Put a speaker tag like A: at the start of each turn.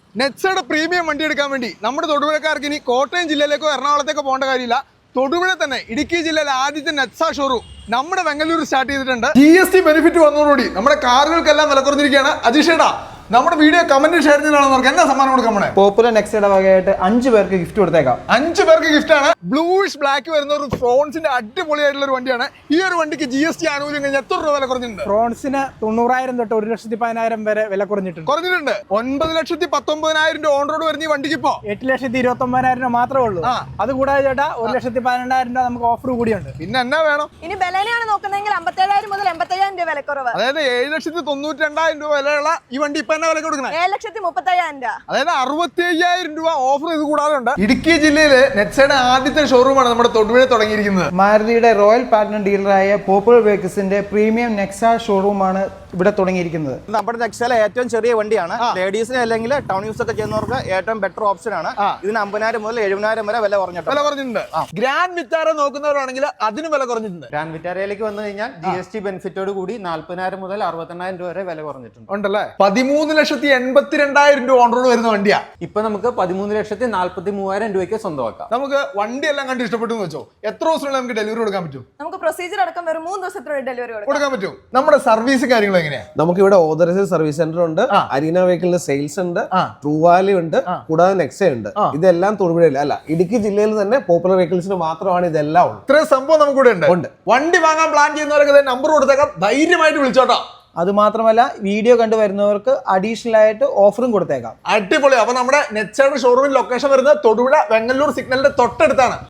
A: നെക്സയുടെ premium വണ്ടി എടുക്കാൻ വേണ്ടി നമ്മുടെ തൊടുപുഴക്കാർക്ക് ഇനി കോട്ടയം ജില്ലയിലേക്കോ എറണാകുളത്തേക്കോ പോകേണ്ട കാര്യമില്ല. തൊടുപുഴ തന്നെ ഇടുക്കി ജില്ലയിലെ ആദ്യത്തെ നെക്സ ഷോറൂം നമ്മുടെ വെങ്ങല്ലൂർ സ്റ്റാർട്ട് ചെയ്തിട്ടുണ്ട്. GST ബെനിഫിറ്റ് വന്നതോടുകൂടി നമ്മുടെ കാറുകൾക്കെല്ലാം വില കുറഞ്ഞിരിക്കുകയാണ്. അജീഷേടാ, നമ്മുടെ വീഡിയോ കമന്റ് ഷെയർ ചെയ്താണെന്ന് നമുക്ക് എന്നാ സമ്മാനം കൊടുക്കാം? നമ്മളെ
B: പോപ്പുലർ നെക്സയുടെ വകയായിട്ട് 5 പേർക്ക് ഗിഫ്റ്റ് കൊടുത്തേക്കാം.
A: 5 പേർക്ക് ഗിഫ്റ്റ് ആണ്. ബ്ലൂയിഷ് ബ്ലാക്ക് വരുന്ന ഒരു ഫ്രോൺസിന്റെ അടിപൊളിയായിട്ടുള്ള ഒരു വണ്ടിയാണ്. ഈ ഒരു വണ്ടിക്ക് GST ആനുകൂല്യം കഴിഞ്ഞാൽ എത്ര രൂപ വില കുറഞ്ഞിട്ടുണ്ട്?
B: ഫ്രോൺസിന് 90,000 തൊട്ട് 1,10,000 വരെ വില കുറഞ്ഞിട്ടുണ്ട്.
A: 9,19,000 രൂപ ഓൺ റോഡ് വരുന്ന ഈ വണ്ടിക്ക് ഇപ്പോ
B: 8,29,000 രൂപ മാത്രമേ ഉള്ളൂ. അത് കൂടാതെ ചേട്ടാ 1,12,000 രൂപ നമുക്ക് ഓഫർ കൂടിയുണ്ട്.
A: പിന്നെ എന്നാ വേണം?
C: ഇനി ബലേനയാണ് നോക്കുന്നതെങ്കിൽ 57,000 മുതൽ 85,000 രൂപ വിലക്കുറവ്.
A: അതായത് 7,92,000 രൂപ വിലയുള്ള ഈ വണ്ടി ഇപ്പൊ എന്നാ വില കൊടുക്കുന്നത്?
C: 7,35,000 രൂപ.
A: അതായത് 65,000 രൂപ ഓഫർ ഇത് കൂടാതെ ഉണ്ട്. ഇടുക്കി ജില്ലയിലെ നെക്സയുടെ ആദ്യത്തെ ഷോറൂമാണ് നമ്മുടെ തൊടുപുഴ തുടങ്ങിയിരിക്കുന്നത്.
B: മാരുതിയുടെ റോയൽ പാറ്റേൺ ഡീലറായ പോപ്പുലർ വെഹിക്കിൾസിന്റെ പ്രീമിയം നെക്സ ഷോറൂമാണ് ഇവിടെ തുടങ്ങിയിരിക്കുന്നത്.
D: നമ്മുടെ നെക്സയിലെ ഏറ്റവും ചെറിയ വണ്ടിയാണ്. ലേഡീസിന് അല്ലെങ്കിൽ ടൗൺ യൂസ് ഒക്കെ ചെയ്യുന്നവർക്ക് ഏറ്റവും ബെറ്റർ ഓപ്ഷൻ ആണ്. ഇതിന് 50,000 മുതൽ 70,000 വരെ വില കുറഞ്ഞിട്ടുണ്ട്.
A: ഗ്രാൻഡ് വിറ്റാര നോക്കുന്നവരാണെങ്കിൽ അതിന് വില കുറഞ്ഞിട്ടുണ്ട്.
D: ഗ്രാൻഡ് വിറ്റാരയിലേക്ക് വന്നു കഴിഞ്ഞാൽ GST ബെനിഫിറ്റോട് കൂടി 40,000 മുതൽ 68,000 രൂപ വരെ വില കുറഞ്ഞിട്ടുണ്ട്.
A: ഉണ്ടല്ലേ? 13,82,000 രൂപ ഓൺ റോഡ് വരുന്ന വണ്ടിയാ.
D: ഇപ്പൊ നമുക്ക് 13,43,000 രൂപയ്ക്ക് സ്വന്തമാക്കാം.
A: നമുക്ക് വണ്ടി എല്ലാം കണ്ട് ഇഷ്ടപ്പെട്ടു എന്ന് വെച്ചോ, എത്ര ദിവസത്തിനുള്ളിൽ നമുക്ക് ഡെലിവറി കൊടുക്കാൻ പറ്റും?
C: നമുക്ക് പ്രൊസീജിയർ അടക്കം വെറും 3 ദിവസത്തിനുള്ളിൽ ഡെലിവറി
A: കൊടുക്കാൻ പറ്റും. നമ്മുടെ സർവീസ് കാര്യങ്ങൾ എങ്ങനെയാ?
E: നമുക്ക് ഇവിടെ ഓതറൈസ്ഡ് സർവീസ് സെന്റർ ഉണ്ട്, അരീന വെഹിക്കിളിന്റെ സെയിൽസ് ഉണ്ട്, ട്രൂവാലി ഉണ്ട്, കൂടാതെ നെക്സ ഉണ്ട്. ഇതെല്ലാം തൊടുപുഴയിൽ അല്ല, ഇടുക്കി ജില്ലയിൽ തന്നെ പോപ്പുലർ വെഹിക്കിൾസിന് മാത്രമാണ് ഇതെല്ലാം ഉള്ളത്.
A: ഇത്രയും സംഭവം നമുക്ക് ഇവിടെ ഉണ്ട്. വണ്ടി വാങ്ങാൻ പ്ലാൻ ചെയ്യുന്നവരൊക്കെ നമ്പർ കൊടുത്തേക്കാം, ധൈര്യമായിട്ട് വിളിച്ചോട്ടോ.
B: അത് മാത്രമല്ല വീഡിയോ കണ്ടു വരുന്നവർക്ക് അഡീഷണൽ ആയിട്ട് ഓഫറും കൊടുത്തേക്കാം.
A: അടിപൊളി. അപ്പൊ നമ്മുടെ നെക്സയുടെ ഷോറൂമിൽ ലൊക്കേഷൻ വരുന്നത് തൊടുപുഴ വെങ്ങല്ലൂർ സിഗ്നലിന്റെ തൊട്ടടുത്താണ്.